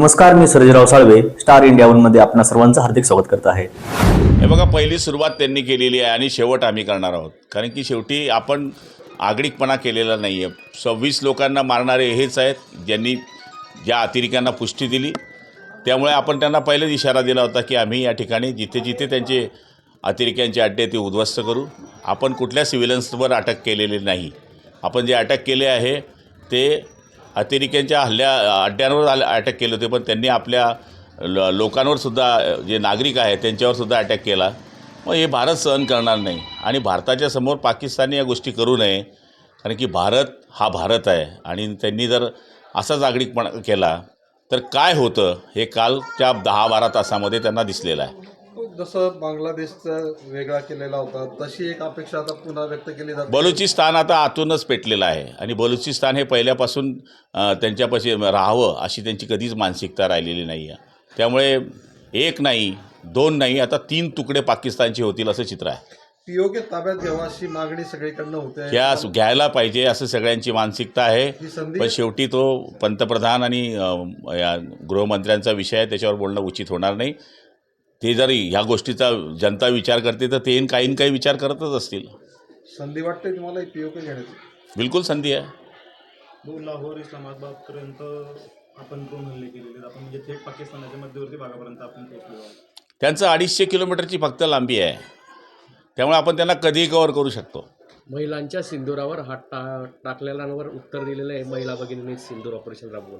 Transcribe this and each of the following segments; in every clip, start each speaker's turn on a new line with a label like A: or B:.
A: नमस्कार, मी Sarjerao Salve, Star India मध्ये आपणा सर्वांचं हार्दिक स्वागत करत आहे।
B: हे बघा, पहिली सुरुवात त्यांनी केलेली आहे आणि शेवट आम्ही करणार आहोत। कारण की शेवटी आपण आगळिकपणा केलेला नाही आहे। 26 लोकांना मारणारे हेच आहेत ज्यांनी ज्या अतिरेक्यांना पुष्टी दिली। त्यामुळे आपण त्यांना पहिलेच इशारा दिला होता की आम्ही या ठिकाणी जिथे जिथे त्यांचे अतिरेक्यांचे अड्डे ते उद्ध्वस्त करू। आपण कुठल्या सिव्हिलन्सवर अटक केलेली नाही। आपण जे अटक केले आहे ते अतिरेक्यांच्या अड्ड्यांवर अटक केले होते, पण त्यांनी आपल्या लोकांवर सुद्धा, जे नागरिक आहेत त्यांच्यावर सुद्धा अटॅक केला। मग हे भारत सहन करणार नाही आणि भारताच्या समोर पाकिस्तानने या गोष्टी करू नये। कारण की भारत हा भारत आहे आणि त्यांनी जर असाच आगळिकपणा केला तर काय होतं हे कालच्या 10-12 तासामध्ये त्यांना दिसलेलं आहे।
C: जसं बांगलादेशचा वेगळा केलेला होता तशी एक अपेक्षा आता पुन्हा व्यक्त केली जाते।
B: बलुचिस्तान आता आतूनच पेटलेलं आहे आणि बलुचिस्तान हे पहिल्यापासून त्यांच्यापाशी राहावं अशी त्यांची कधीच मानसिकता राहिलेली नाही आहे। त्यामुळे एक नाही, दोन नाही, आता 3 तुकडे पाकिस्तानचे होतील असं चित्र आहे।
C: पीओके ताब्यात घ्यावा अशी मागणी सगळीकडनं होते।
B: ह्या घ्यायला पाहिजे असं सगळ्यांची मानसिकता आहे, पण शेवटी तो पंतप्रधान आणि या गृहमंत्र्यांचा विषय आहे, त्याच्यावर बोलणं उचित होणार नाही। ते जर ह्या गोष्टीचा जनता विचार करते तर ते काही विचार करतच असतील।
C: संधी वाटते तुम्हाला पीओके घेण्याची?
B: बिलकुल संधी आहे।
D: लाहोर इस्लामाबादपर्यंत आपण ड्रोन हल्ले केलेले, आपण म्हणजे थेट पाकिस्तानाच्या मध्यवर्ती भागापर्यंत आपण पोहोचलो आहोत।
B: त्यांचं 250 किलोमीटरची फक्त लांबी आहे, त्यामुळे आपण त्यांना कधीही कव्हर करू शकतो।
E: महिलांच्या सिंदुरावर हात टाकलेल्यांवर उत्तर दिलेलं आहे महिला भगिनींनी सिंदूर ऑपरेशन राबवून।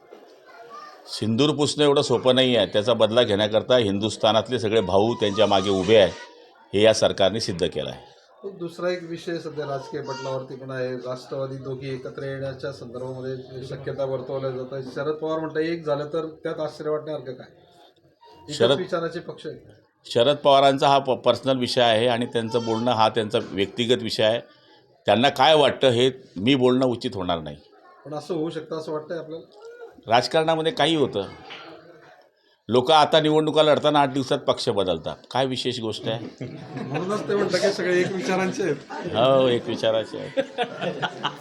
B: सिंदूर पुसणं एवढं सोपं नाही आहे। त्याचा बदला घेण्याकरता हिंदुस्थानातले सगळे भाऊ त्यांच्या मागे उभे आहे, हे या सरकारने सिद्ध केलं आहे।
C: दुसरा एक विषय सध्या राजकीय पटलावरती पण आहे। राष्ट्रवादी दोघी एकत्र येण्याच्या संदर्भामध्ये शक्यता वर्तवल्या जात आहे। शरद पवार म्हणतात एक झालं तर त्यात आश्चर्य वाटण्यासारखं काय? शरद विचाराचे पक्ष आहे।
B: शरद पवारांचा हा पर्सनल विषय आहे आणि त्यांचं बोलणं हा त्यांचा व्यक्तिगत विषय आहे। त्यांना काय वाटतं हे मी बोलणं उचित होणार नाही।
C: पण असं होऊ शकतं असं वाटतंय आपल्याला?
B: राजकारणामध्ये काही होतं। लोक आता निवडणुका लढताना 8 दिवसात पक्ष बदलतात, काय विशेष गोष्ट आहे?
C: म्हणूनच ते म्हणतात की सगळे एक विचारांचे आहेत।
B: हो, एक विचाराचे आहे।